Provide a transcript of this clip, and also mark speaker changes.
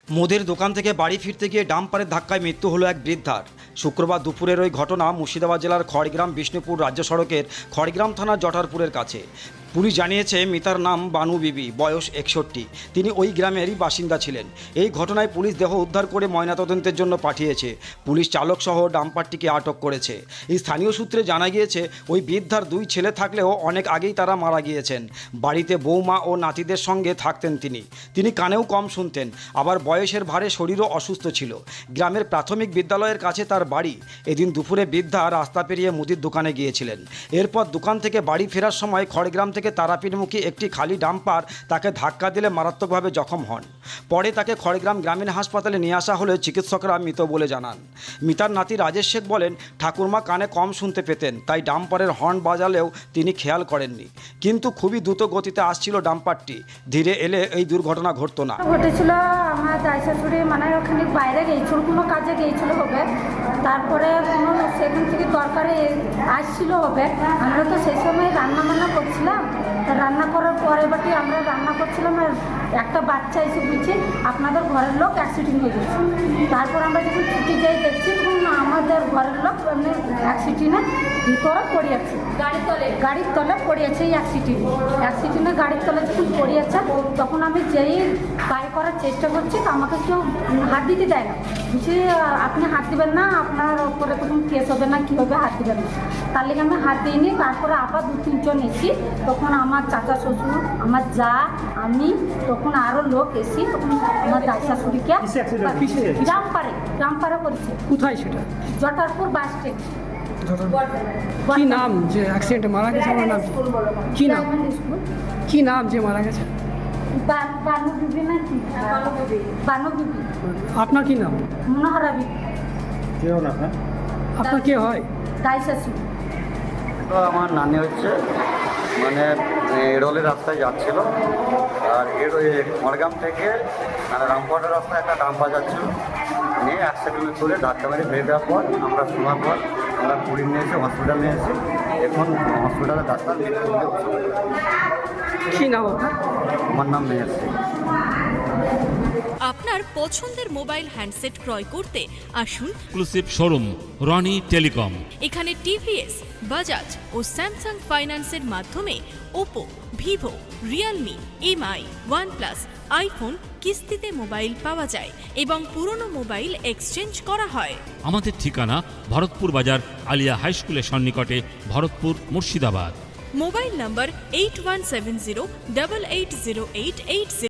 Speaker 1: মুদির দোকান থেকে বাড়ি ফিরতে গিয়ে ডাম্পারের ধাক্কায় মৃত্যু হলো এক বৃদ্ধার। শুক্রবার দুপুরের ওই ঘটনা মুর্শিদাবাদ জেলার খড়গ্রাম বিষ্ণুপুর রাজ্য সড়কের খড়গ্রাম থানার জটারপুরের কাছে। পুলিশ জানিয়েছে মৃতার নাম বানু বিবি, বয়স 61। তিনি ওই গ্রামেরই বাসিন্দা ছিলেন। এই ঘটনায় পুলিশ দেহ উদ্ধার করে ময়নাতদন্তের জন্য পাঠিয়েছে। পুলিশ চালকসহ ডাম্পারটিকে আটক করেছে। এই স্থানীয় সূত্রে জানা গিয়েছে ওই বৃদ্ধার 2 ছেলে থাকলেও অনেক আগেই তারা মারা গিয়েছেন। বাড়িতে বৌমা ও নাতিদের সঙ্গে থাকতেন তিনি কানেও কম শুনতেন, আবার বয়সের ভারে শরীরও অসুস্থ ছিল। গ্রামের প্রাথমিক বিদ্যালয়ের কাছে তার বাড়ি। এদিন দুপুরে বৃদ্ধা রাস্তা পেরিয়ে মুদির দোকানে গিয়েছিলেন। এরপর দোকান থেকে বাড়ি ফেরার সময় খড়গ্রাম থেকে তারাপীঠমুখী একটি খালি ডাম্পার তাকে ধাক্কা দিলে মারাত্মকভাবে জখম হন। পরে তাকে খড়গ্রাম গ্রামীণ হাসপাতালে নিয়ে আসা হলে চিকিৎসকরা মৃত বলে জানান। মৃতার নাতি রাজেশ শেখ বলেন, ঠাকুরমা কানে কম শুনতে পেতেন, তাই ডাম্পারের হর্ন বাজালেও তিনি খেয়াল করেননি। কিন্তু খুবই দ্রুত গতিতে আসছিল ডাম্পারটি, ধীরে এলে এই দুর্ঘটনা ঘটতো না।
Speaker 2: ঘটেছিল আমার দাই শাশুড়ি মানে ওখানে বাইরে গিয়েছিল, কোনো কাজে গিয়েছিল হবে, তারপরে কোনো সেখান থেকে তরকারি আসছিল হবে। আমরা তো সেই সময় রান্না করছিলাম, তা রান্না করার পরে বাকি আমরা রান্না করছিলাম আর একটা বাচ্চা এসে বলছে আপনাদের ঘরের লোক অ্যাক্সিডেন্ট হয়ে গেছে। তারপর আমরা যখন ছুটি যাই দেখছি তখন আমাদের ঘরের লোক এমনি অ্যাক্সিডেন্টে ভিতরে পড়িয়েছে, গাড়ির তলে পড়িয়েছে। এই অ্যাক্সিডেন্টে গাড়ির তলে যখন পড়িয়েছে তখন আমি যেই গাড়ি করার চেষ্টা করছি তো আমাকে কেউ হাত দিতে দেয় না। বলছি আপনি হাত দেবেন না, আপনার ওপরে তখন কেস হবে না, কী হবে, হাত দেবেন না। তার লেগে আমি হাত দিইনি। তারপরে আবার 2-3 জন এসি, তখন আমার চাচা শ্বশুর, আমার যা, আমি, তখন আরও লোক এসি, তখন আমার দাই শাশুড়িকে জাম্পারে করেছে।
Speaker 3: কোথায় সেটা?
Speaker 2: জটারপুর বাস স্ট্যান্ড।
Speaker 3: কি নাম যে অ্যাক্সিডেন্টে মারা গেছে? আমার নাম কি নাম? কি নাম যে মারা গেছে?
Speaker 2: বানু বিবি না কি? বানু বিবি।
Speaker 3: আপনার কি নাম?
Speaker 2: মনোহরা বিবি।
Speaker 4: কে হন আপনার?
Speaker 3: আপনার কে হয়?
Speaker 2: দাই শাশুড়ি।
Speaker 4: তো আমার নানি হচ্ছে মানে এড়োলের রাস্তায় যাচ্ছিল, আর খড়গ্রাম থেকে মানে রামপুরহাটের রাস্তায় একটা ডাম্পার যাচ্ছিল, নিয়ে অ্যাক্সিডেন্ট করে ধাক্কা মেরে ফেলে দেওয়ার পর আমরা শোনার পর আমরা পুরী নিয়ে এসে হসপিটাল নিয়ে এসে এখন হসপিটালে ডাক্তার মৃত্যু হতে বসে।
Speaker 3: কি নাম আপনার?
Speaker 4: আমার নাম মেহের সিং।
Speaker 5: আপনার পছন্দের মোবাইল হ্যান্ডসেট ক্রয় করতে আসুন
Speaker 6: এক্সক্লুসিভ শোরুম রনি টেলিকম।
Speaker 5: এখানে টিভিএস, বাজাজ ও স্যামসাং ফাইন্যান্সের মাধ্যমে Oppo, Vivo, Realme, MI, OnePlus, iPhone কিস্তিতে মোবাইল পাওয়া যায় এবং পুরনো মোবাইল এক্সচেঞ্জ করা হয়।
Speaker 6: আমাদের ঠিকানা ভরতপুর বাজার আলিয়া হাই স্কুলের সন্নিকটে, ভরতপুর, মুর্শিদাবাদ।
Speaker 5: মোবাইল নম্বর 8170880880।